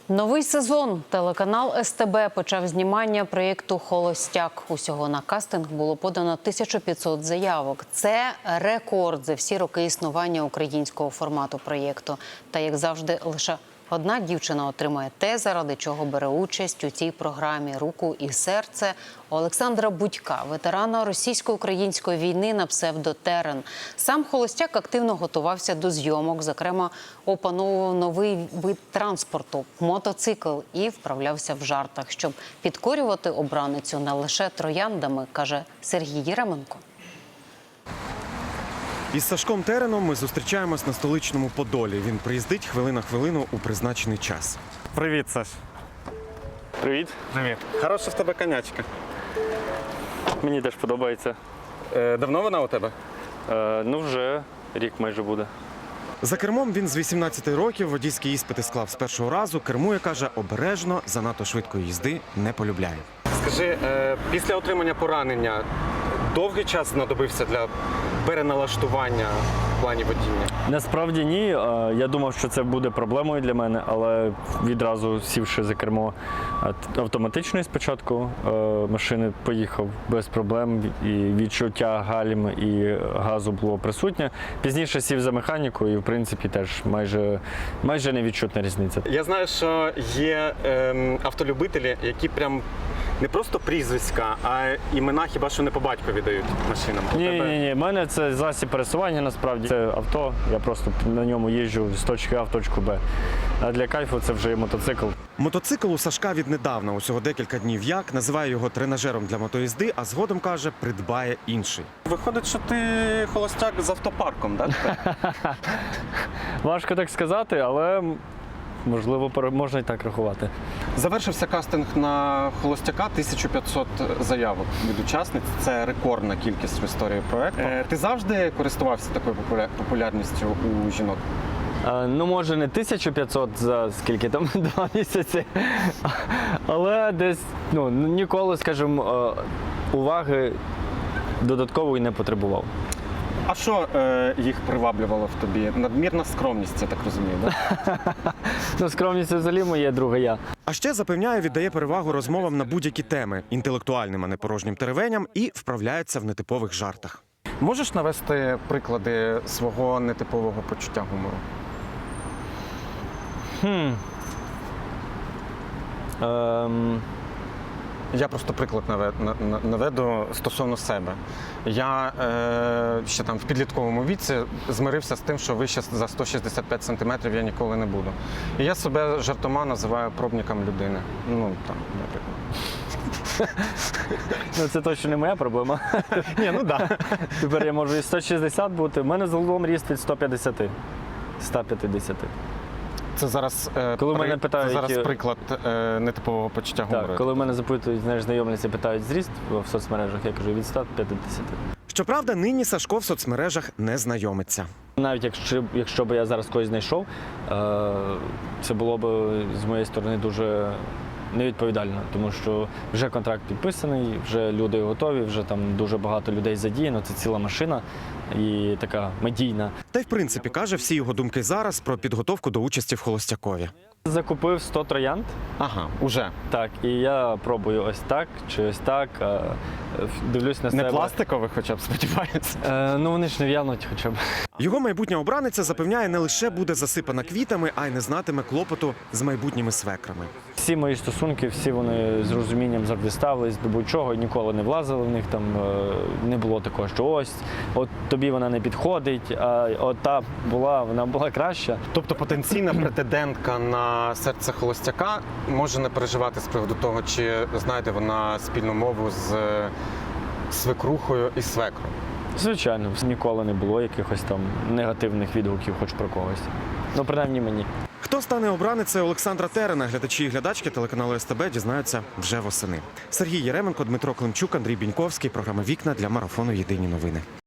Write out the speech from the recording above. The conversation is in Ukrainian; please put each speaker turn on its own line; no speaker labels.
Новий сезон. Телеканал СТБ почав знімання проєкту «Холостяк». Усього на кастинг було подано 1500 заявок. Це рекорд за всі роки існування українського формату проєкту. Та, як завжди, лише одна дівчина отримає те, заради чого бере участь у цій програмі – руку і серце Олександра Будька, ветерана російсько-української війни на псевдо Терен. Сам Холостяк активно готувався до зйомок, зокрема, опановував новий вид транспорту – мотоцикл, і вправлявся в жартах, щоб підкорювати обраницю не лише трояндами, каже Сергій Єременко.
Із Сашком Тереном ми зустрічаємось на столичному Подолі. Він приїздить хвилина хвилину у призначений час. Привіт, Саш.
Привіт.
Привіт. Хороша в тебе конячка.
Мені теж подобається.
Давно вона у тебе?
Ну, вже рік майже буде.
За кермом він з 18 років, водійські іспити склав з першого разу. Кермує, каже, обережно, занадто швидкої їзди не полюбляє. Скажи, після отримання поранення довгий час знадобився для переналаштування в плані водіння?
Насправді ні. Я думав, що це буде проблемою для мене, але відразу сівши за кермо автоматичної спочатку машини, поїхав без проблем, і відчуття гальм і газу було присутнє. Пізніше сів за механіку і, в принципі, теж майже невідчутна різниця.
Я знаю, що є автолюбителі, які прям не просто прізвиська, а імена хіба що не по батькові дають машинам.
Ні. У мене це засіб пересування, насправді. Це авто, я просто на ньому їжджу з точки А в точку Б. А для кайфу це вже мотоцикл.
Мотоцикл у Сашка віднедавна, усього декілька днів як, називає його тренажером для мотоїзди, а згодом, каже, придбає інший. Виходить, що ти холостяк з автопарком, так?
Важко так сказати, але можливо, можна і так рахувати.
Завершився кастинг на холостяка, 1500 заявок від учасниць. Це рекордна кількість в історії проєкту. Ти завжди користувався такою популярністю у жінок?
Ну, може, не 1500 за скільки там, 2 місяці, але десь, ніколи, скажімо, уваги додаткової не потребував.
А що їх приваблювало в тобі? Надмірна скромність, я так розумію, так?
Скромність взагалі моє друге я.
А ще, запевняє, віддає перевагу розмовам на будь-які теми, інтелектуальним, а не порожнім теревеням, і вправляється в нетипових жартах. Можеш навести приклади свого нетипового почуття гумору? Я просто приклад наведу стосовно себе. Я ще там в підлітковому віці змирився з тим, що вище за 165 сантиметрів я ніколи не буду. І я себе жартома називаю пробником людини. Наприклад.
Це точно не моя проблема.
Ні, так.
Тепер я можу і 160 бути. У мене загалом ріст від 150. 150.
Це зараз,
мене питають,
приклад нетипового почуття гумору.
Так, коли мене запитують, знайомляться, питають зріст в соцмережах, я кажу від 150.
Щоправда, нині Сашко в соцмережах не знайомиться.
Навіть якщо б я зараз когось знайшов, це було б з моєї сторони дуже невідповідально, тому що вже контракт підписаний, вже люди готові, вже там дуже багато людей задіяно, це ціла машина і така медійна.
Та й в принципі, каже, всі його думки зараз про підготовку до участі в холостякові.
Закупив 100 троянд.
Ага, уже.
Так, і я пробую ось так чи ось так, дивлюсь на себе.
Не пластикових хоча б, сподіваюся?
Вони ж не в'януть хоча б.
Його майбутня обраниця запевняє, не лише буде засипана квітами, а й не знатиме клопоту з майбутніми свекрами.
Всі мої стосунки, всі вони з розумінням завжди ставились до будь-чого, ніколи не влазили в них, там не було такого, що ось, от тобі вона не підходить, а от та вона була краща.
Тобто потенційна претендентка на серце холостяка може не переживати з приводу того, чи знайде вона спільну мову з свекрухою і свекром?
Звичайно, ніколи не було якихось там негативних відгуків хоч про когось. Принаймні мені.
Хто стане обраницею Олександра Терена, глядачі і глядачки телеканалу СТБ дізнаються вже восени. Сергій Єременко, Дмитро Климчук, Андрій Біньковський. Програма «Вікна» для марафону «Єдині новини».